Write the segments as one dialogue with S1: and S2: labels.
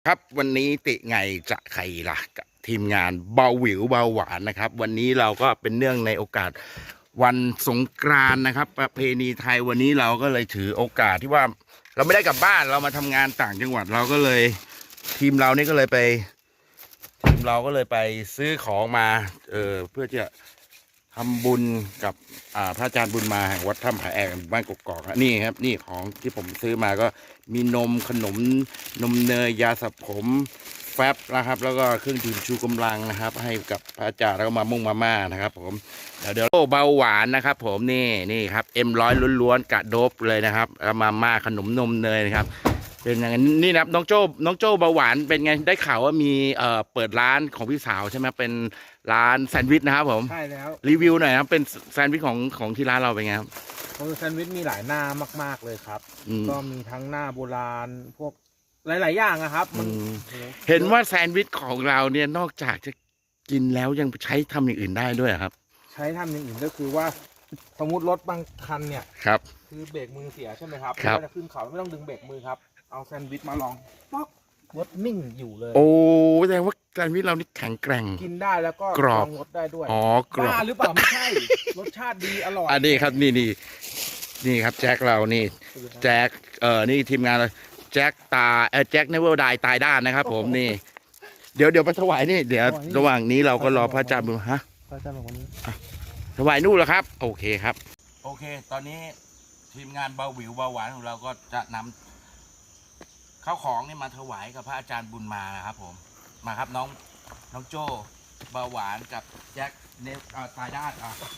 S1: ครับวันนี้ติไงจะใครล่ะกับทีมงานเบาหวิวเบาหวานนะครับวันนี้เราก็เป็นเนื่องในโอกาสวันสงกรานต์นะครับประเพณีไทยวันนี้เราก็เลยถือโอกาสที่ว่าเราไม่ได้กลับบ้านเรามาทำงานต่างจังหวัดเราก็เลยทีมเรานี่ก็เลยไปทีมเราก็เลยไปซื้อของมาเพื่อจะทำบุญกับพระอาจารย์บุญมาแห่งวัดถ้ำผาแอกบ้านกกอกนี่ครับนี่ของที่ผมซื้อมาก็มีนมขนมนมเนยยาสระผมแฟบนะครับแล้วก็เครื่องดื่มชูกำลังนะครับให้กับพระอาจารย์แล้วก็มามุ่งมาม่านะครับผมเดี๋ยวเบาหวานนะครับผมนี่ครับM100ล้วนๆกะโดบเลยนะครับมาม่าขนมนมเนยนะครับเป็นอย่างนี้นี่นะครับน้องโจ้เบาหวานเป็นไงได้ข่าวว่ามีเปิดร้านของพี่สาวใช่ไหมเป็นร้านแซนด์วิชนะครับผม
S2: ใช่แล้ว
S1: รีวิวหน่อยครับเป็นแซนด์วิชของที่ร้านเราเป็นไงครับ
S2: แซนด์วิชมีหลายหน้ามากๆเลยครับ
S1: อืม
S2: ก็มีทั้งหน้าโบราณพวกหลายๆอย่างนะครับมัน
S1: เห็นว่าแซนด์วิชของเราเนี่ยนอกจากจะกินแล้วยังใช้ทำอย่างอื่นได้ด้วยเหรอครับ
S2: ใช้ทำอย่างอื่นก็คือว่าสมมติรถบางคันเนี่ย
S1: ครับ
S2: คือเบรกมือเสียใช่ไหมครับ
S1: ครับ
S2: ก็จะขึ้นเขาไม่ต้องดึงเบรกมือครับเอาแซนด์วิชมาลองป๊อกรถนิ่งอยู่เลย
S1: โอ้แสดงว่าแซนด์วิชเรานี่แข็งแกร่ง
S2: กินได้แล้วก็
S1: กรอบ
S2: ลงรถได้ด้วย
S1: อ๋อกรอบ
S2: บ้าหรือเปล่าไม่ใช่รสชาติดีอร่อย
S1: อันนี้ครับนี่ครับแจ็คเรานี่แจ็คนี่ทีมงานเราแจ็คแจ็คเนเวอร์ไดตายด้านนะครับผมนี่เดี๋ยวไปถวายนี่เดี๋ยวระหว่างนี้เราก็รอพระอาจารย์บุญฮะ
S2: พระอาจารย์บอกวันนี้
S1: ถวายนู่นแล้วครับโอเคครับโอเคตอนนี้ทีมงานเบาหวิวเบาหวานของเราก็จะนำข้าวของนี่มาถวายกับพระอาจารย์บุญมานะครับผมมาครับน้องโจ้เบาหวานกับแจ็คเนฟตายด้าน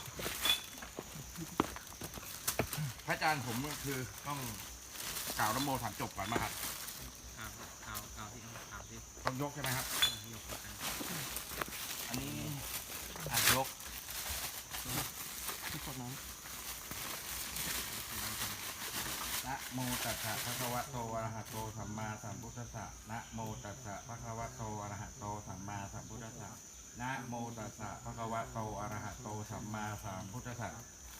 S1: พระอาจารย์ผมก็คือต้องกล่าวนโมถามจบก่อนมาครับที่ต้องยกใช่ไหมครับยกอันนี้ยกที่กดน้ำนะโมตัสสะภะคะวะโตอะระหะโตสัมมาสัมพุทธัสสะนะโมตัสสะภะคะวะโตอะระหะโตสัมมาสัมพุทธัสสะนะโมตัสสะภะคะวะโตอะระหะโตสัมมาสัมพุทธัสสะ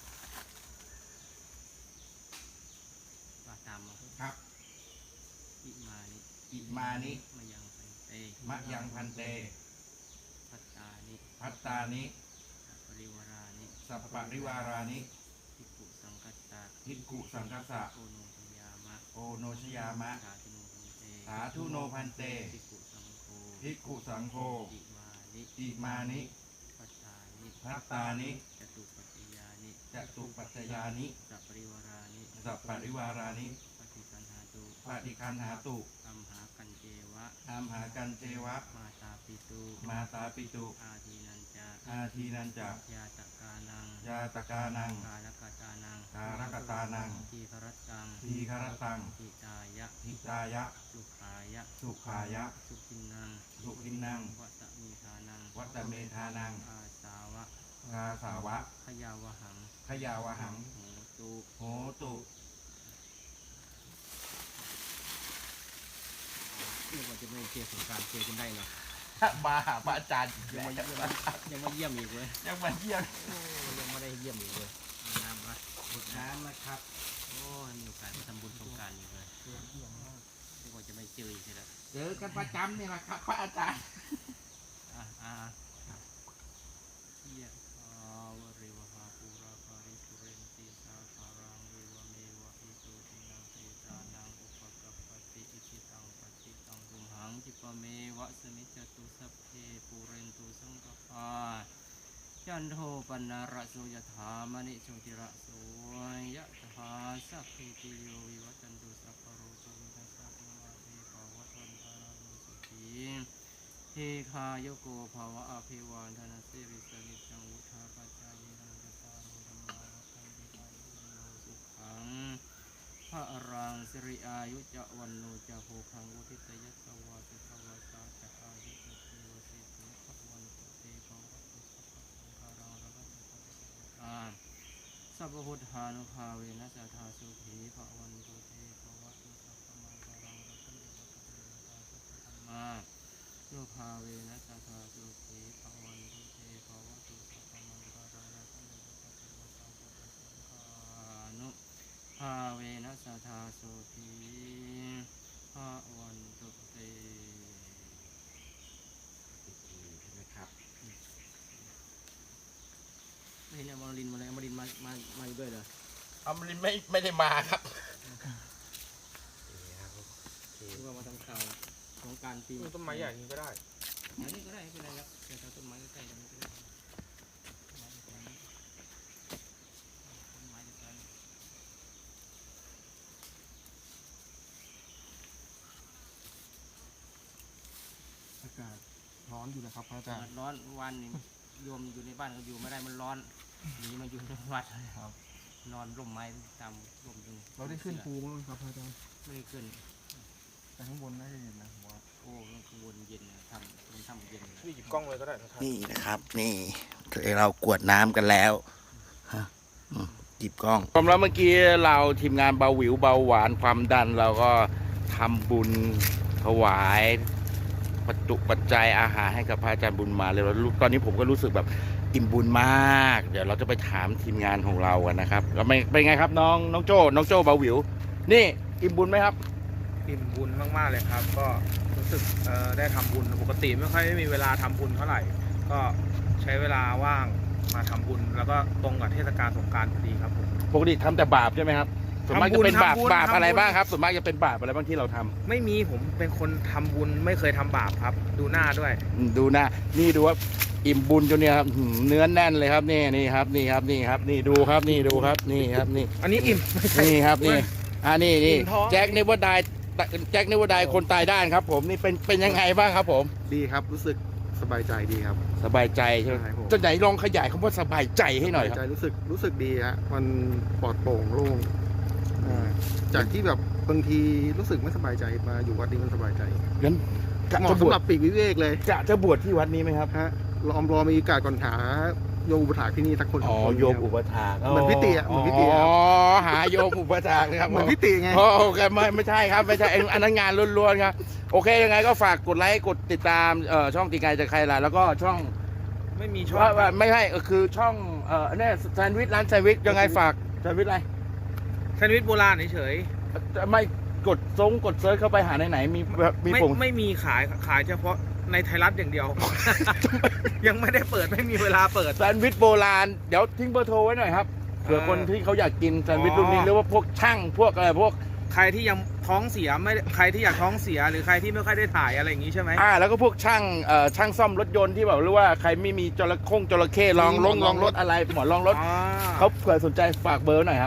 S3: ตาม
S1: ครับอิมานิมะยังพันเตพัตตานิสัปปะริวารานิภิกขุสังคัสสะโอโนชยามะสาธุโนพันเตภิกขุสังโฆอิมานิพัตตานิจตุปัจจยานิสัปปริวารานิปฏิคันหาตุอัมหากันเจวะมาตาปิตุอาทีนันจะยาตกานังกาลกตานังทีครตังทิตายะสุขายะสุขินังวัตเมธานังอาสาวะขยาวหังโหตุ
S3: เรียกว่าจะไม่เชียร์สงการเชียร์กันได้เนาะ
S1: มาหาพระอาจารย์
S3: ยังมาเยี่ยมอีกเลย
S1: ยังมาเยี่ยม
S3: ยังไม่ได้เยี่ยมอีกเลยน้ำ
S1: นะครับ
S3: โอ้มีโอกาสมาทำบุญสงการอีกเลยเรียกว่าจะไม่เจออีกแล้ว
S1: เจอกันประจำนี่แหละครับพระอาจารย์
S3: เยี่ยมวริวหาปูราภาริสุเรนติสาคารังเรวเมวะอิโตตินังเตตานังอุปกัปปติอิจิตังปฏิตังตุมหังจิปเมวะสมิจจตุสัพเพปูเรนตุสังกปายันโทปนาระโสยถามณิโชติระโสยถาสัพพิติโยวิวัตันตุสัพพโรโควินัสสะโนอาเภปวัตวันตารานุสุขีเฮคายโกภาวะอภิวานธนสิริสนิจังวุฒาปัจจายนังจตารโรธรรมาวัฏันติอายุโนสุขังพระรังสิริอายุจะวันโนจะโหคังวุทิตยัสสวาสุภวสาจะอายุเทวสิทธิภวันตุเตภวัตุสัพพะสังฆารังระลังสัพพพุทธานุภาเวนัสธาสุขีภวันตุเตภวัตุสัพพะมังคารังรัตติวัตเตตาสัพพะธรรมานุภาเวนัสธาสุขีภวันตุเตภวัตุสัพพะมังคารังรัตติวัตเตวสังฆปสังฆานุภาเวนัสธาสุขีภอาวันตุเต
S1: นะครับ
S3: ไม่เห็นอมรินทร์มาเลยอมรินทร์มาอยู่ด้วยเหรอ
S2: อมรินทร์ไม่ได้มาครับ
S3: หรือว่ามาทำข่าวของการปี
S2: ต้นไม้ใหญ่นี้ก็ได้
S3: อันนี้ก็ได้ไม่เป็นไรครับแต่ถ้าต้นไม้ใกล้ๆกันไม่เป็นไรต้นไม้ใกล้ๆต้นไม้ใกล้
S2: อากาศร้อนอยู่นะครับพระอา
S3: ๆ
S2: จาร
S3: อา
S2: ย์
S3: ร้อนวันนี้โยมอยู่ในบ้านก็อยู่ไม่ได้มันร้อนหนีมาอยู่ในวัดเลย
S2: ครับ
S3: นอนร่มไม้ตามร่มตรง
S2: เราได้ขึ้นภูมั้งครับพระอาจารย์
S3: ไม่ได้ขึ้น
S2: แต่ข้างบนน่าจะเย็นนะผมว่า
S3: โอ้ข้างบนเย็นนะทำมันทำเย็นนะ
S2: พี่หยิบกล้องเลยก็ได้นะครับ
S1: นี่นะครับ นี่เรากวดน้ำกันแล้วฮะหยิบกล้องผมแล้วเมื่อกี้เราทีมงานเบาหวิวเบาหวานความดันเราก็ทำบุญถวายปัจจุปัจจัยอาหารให้กับพระอาจารย์บุญมาเลยตอนนี้ผมก็รู้สึกแบบอิ่มบุญมาก เดี๋ยวเราจะไปถามทีมงานของเรากันนะครับแล้วเป็นไงครับน้องโจ้เบาหวิวนี่อิ่มบุญไหมครับ
S2: อิ่มบุญมากๆเลยครับ ก็รู้สึกได้ทำบุญปกติไม่ค่อยมีเวลาทำบุญเท่าไหร่ ก็ใช้เวลาว่างมาทำบุญ แล้วก็ตรงกับเทศกาลสงกรานต์พอดีครับผม
S1: ปกติทำแต่บาปใช่ไหมครับส่วนมากจะเป็นบาป
S2: ทำบุญ
S1: บาปอะไร
S2: ทำบุญ
S1: บ้างครับส่วนมากจะเป็นบาปอะไรบ้างที่เราทำ
S2: ไม่มีผมเป็นคนทำบุญไม่เคยทำบาปครับ ดูหน้าด้วย
S1: ดูนะนี่ดูว่าอิ่มบุญจนเนี่ยครับเนื้อแน่นเลยครับนี่ครับนี่ครับนี่ดูครับนี่ดูครับนี่ครับนี่
S2: อันนี้อิ่มไม่ใช่
S1: นี่ครับนี่นี่
S2: อิ่มท้อง
S1: แจ็คเนวดายคนตายด้านครับ ผมนี่เป็นยังไงบ้างครับผม
S4: ดีครับรู้สึกสบายใจดีครับ
S1: สบายใจใช่ไหม
S4: ใช่ผม
S1: จะไหนลองขยายคำว่าสบายใจให้หน่อยครับ
S4: สบายใจรู้สึกดีฮะมันปลอดโปร่งโล่งจากที่แบบบางทีรู้สึกไม่สบายใจมาอยู่วัดนี้มันสบายใจ
S1: งั้นกะ
S4: เหมาะ
S1: จะบ
S4: สำ
S1: ว
S4: ห
S1: ช
S4: รับปีกวิเวกเลย
S1: จะบวชที่วัดนี้ไหมครับ
S4: ฮะรอมีโอกาสก่อนหาโยมอุปถากที่นี่สักคนส
S1: อ๋
S4: อ
S1: อง
S4: คน
S1: โยม
S4: ครับ
S1: อุปถาก
S4: เหมือนพิติอะเหมือนพิติอะ
S1: อ๋อหาโยมอุปถากนะครับ
S4: เหมือนพิติไง
S1: โอเคไม่ใช่ครับไม่ใช่อันนั้นงานล้วนๆครับโอเคยังไงก็ฝากกดไลค์กดติดตามช่องตีไกจะใครล่ะแล้วก็ช่อง
S2: ไม่มีช่อง
S1: ว่าไม่ใช่คือช่องเนี่ยแซนด์วิชร้านแซนด์วิชยังไงฝากแซนด์วิชอะไร
S2: แซนด์วิชโบราณเฉย
S1: ไม่กดเซิร์ชเข้าไปหาไหนมี
S2: ๆ
S1: มี
S2: ไม่
S1: ผง
S2: ไม่มีขายเฉพาะในไทยรัฐอย่างเดียว ยังไม่ได้เปิดไม่มีเวลาเปิด
S1: แซนด์วิชโบราณเดี๋ยวทิ้งเบอร์โทรไว้หน่อยครับเผื่อคนที่เขาอยากกินแซนด์วิชรุ่นนี้หรือว่าพวกช่างพวกอะไรพวก
S2: ใครที่ยังท้องเสียไม่ใครที่อยากท้องเสียหรือใครที่ไม่ค่อยได้ถ่ายอะไรอย่างนี้ใช่ไหม
S1: แล้วก็พวกช่างซ่อมรถยนต์ที่แบบหรือว่าใครไม่มีจระเข้ลองรถอะไรหมอนลองรถเขาเผื่อสนใจฝากเบอร์หน่อยครับ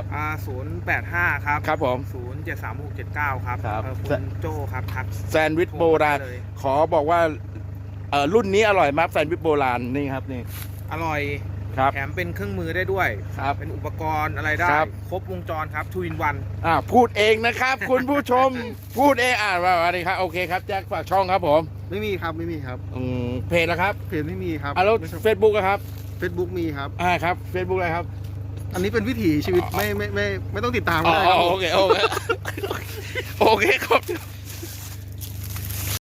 S2: 085 ครับ
S1: ครับผม
S2: 073679 ครับ
S1: ครับ
S2: คุณโจครับทัก
S1: แซนด์วิชโบราณ
S2: โทมได้เลย
S1: ขอบอกว่ารุ่นนี้อร่อยมากแซนด์วิชโบราณนี่ครับนี่
S2: อร่อย
S1: ครับ
S2: แถมเป็นเครื่องมือได้ด้วย
S1: ครับ
S2: เป็นอุปกรณ์อะไรได้
S1: ครับ
S2: ครบวงจรครับทูอินวัน
S1: พูดเองนะครับ คุณผู้ชมพูดเองว่าอะไรครับโอเคครับแจ็คฝากช่องครับผม
S4: ไม่มีครับไม่มีครับ
S1: เพจนะครับ
S4: เพจไม่มีครับ
S1: แล้วเฟซบุ๊กครับ
S4: เฟซบุ๊กมีครับ
S1: ครับเฟซบุ๊กอะไรครับ
S4: อันนี้เป็นวิถีชีวิตไม่ต้องติดตาม
S1: อ๋
S4: ก็
S1: อ
S4: ได้ครับ
S1: โอเคโอเคครับ